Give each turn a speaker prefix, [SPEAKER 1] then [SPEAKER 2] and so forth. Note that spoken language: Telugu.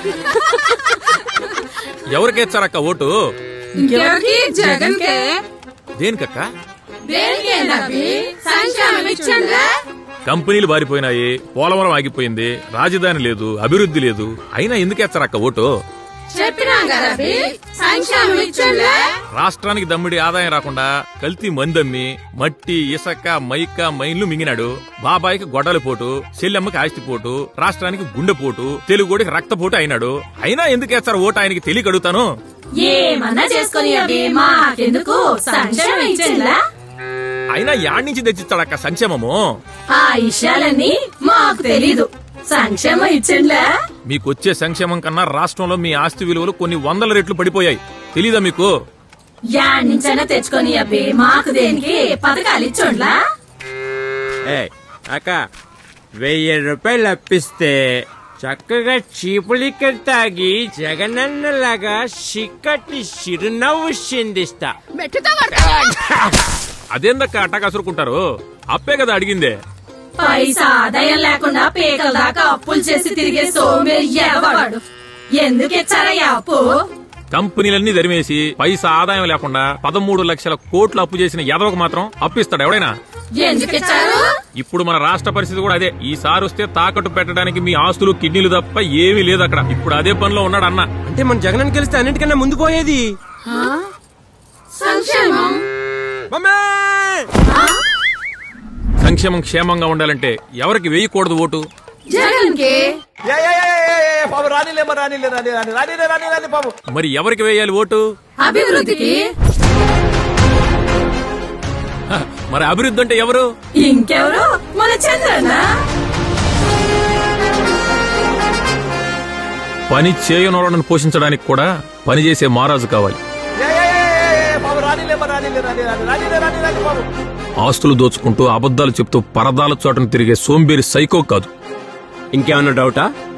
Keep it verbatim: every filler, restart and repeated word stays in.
[SPEAKER 1] ఎవరికేచ్చారక్క ఓటు?
[SPEAKER 2] జగన్కే.
[SPEAKER 1] దేనికక్క?
[SPEAKER 2] సంక్షేమం.
[SPEAKER 1] కంపెనీలు బారిపోయినాయి, పోలవరం ఆగిపోయింది, రాజధాని లేదు, అభివృద్ధి లేదు, అయినా ఎందుకేచ్చారక్క ఓటు? రాష్ట్రానికి దమ్మిడి ఆదాయం రాకుండా కల్తీ మందమ్మి మట్టి ఇసక మైక మైన్లు మింగినాడు. బాబాయికి గొడ్డలి పోటు, చెల్లెమ్మకి ఆస్తిపోటు, రాష్ట్రానికి గుండెపోటు, తెలుగుడికి రక్తపోటు అయినాడు. అయినా ఎందుకేస్తారు ఓటు ఆయనకి తెలియక అడుగుతాను.
[SPEAKER 2] ఏమన్నా చేసుకుని
[SPEAKER 1] అయినా యాడ్ నుంచి తెచ్చిస్తాడక్క సంక్షేమము?
[SPEAKER 2] ఆ విషయాలన్నీ మాకు తెలీదు. సంక్షేమం ఇచ్చిండ్లా?
[SPEAKER 1] మీకొచ్చే సంక్షేమం కన్నా రాష్ట్రంలో మీ ఆస్తి విలువలు కొన్ని వందల రెట్లు పడిపోయాయి. తెలీదా మీకు?
[SPEAKER 2] యాడ్ నుంచైనా తెచ్చుకొని అబ్బే, మాకు దేనికి పథకాలు ఇచ్చోండ్లా?
[SPEAKER 3] అక్క వెయ్యి రూపాయలు అప్పిస్తే చక్కగా చీపులిక్కలు తాగి జగనన్నలాగా చిక్కటి చిరునవ్వు చిందిస్తా.
[SPEAKER 1] అదేందక్క అట్టా కసురుకుంటారు? అప్పే కదా అడిగిందే.
[SPEAKER 2] పైసా ఆదాయం లేకుండా పేకల దాకా అప్పులు చేసి తిరిగే సోమేరి ఎవడు? ఎందుకు ఇచ్చారయ్యా అప్పు?
[SPEAKER 1] కంపెనీలన్నీ దరిమేసి పైసా ఆదాయం లేకుండా పదమూడు లక్షల కోట్లు అప్పు చేసిన ఎదవకు మాత్రం అప్పిస్తాడు ఎవడైనా?
[SPEAKER 2] ఎందుకు ఇచ్చారు?
[SPEAKER 1] ఇప్పుడు మన రాష్ట్ర పరిస్థితి కూడా అదే. ఈసారి వస్తే తాకట్టు పెట్టడానికి మీ ఆస్తులు కిడ్నీలు తప్ప ఏమీ లేదు అక్కడ. ఇప్పుడు అదే పనిలో ఉన్నాడు అన్న.
[SPEAKER 3] అంటే మన జగన్ గెలిస్తే అన్నిటికన్నా ముందు పోయేది
[SPEAKER 2] సంక్షేమం.
[SPEAKER 1] సంక్షేమం క్షేమంగా ఉండాలంటే ఎవరికి వేయకూడదు ఓటు?
[SPEAKER 2] జగన్ కి.
[SPEAKER 1] మరి ఎవరికి వేయాలి ఓటు?
[SPEAKER 2] అభివృద్ధికి.
[SPEAKER 1] మరి అభివృద్ధి అంటే ఎవరు?
[SPEAKER 2] ఇంకెవరు? మన చంద్రన్న.
[SPEAKER 1] పని చేయనోళ్ళను పోషించడానికి కూడా పనిచేసే మహారాజు కావాలి. ఆస్తులు దోచుకుంటూ అబద్దాలు చెప్తూ పరదాల చోటను తిరిగే సోంబేరి సైకో కాదు.
[SPEAKER 3] ఇంకేమన్నా డౌటా?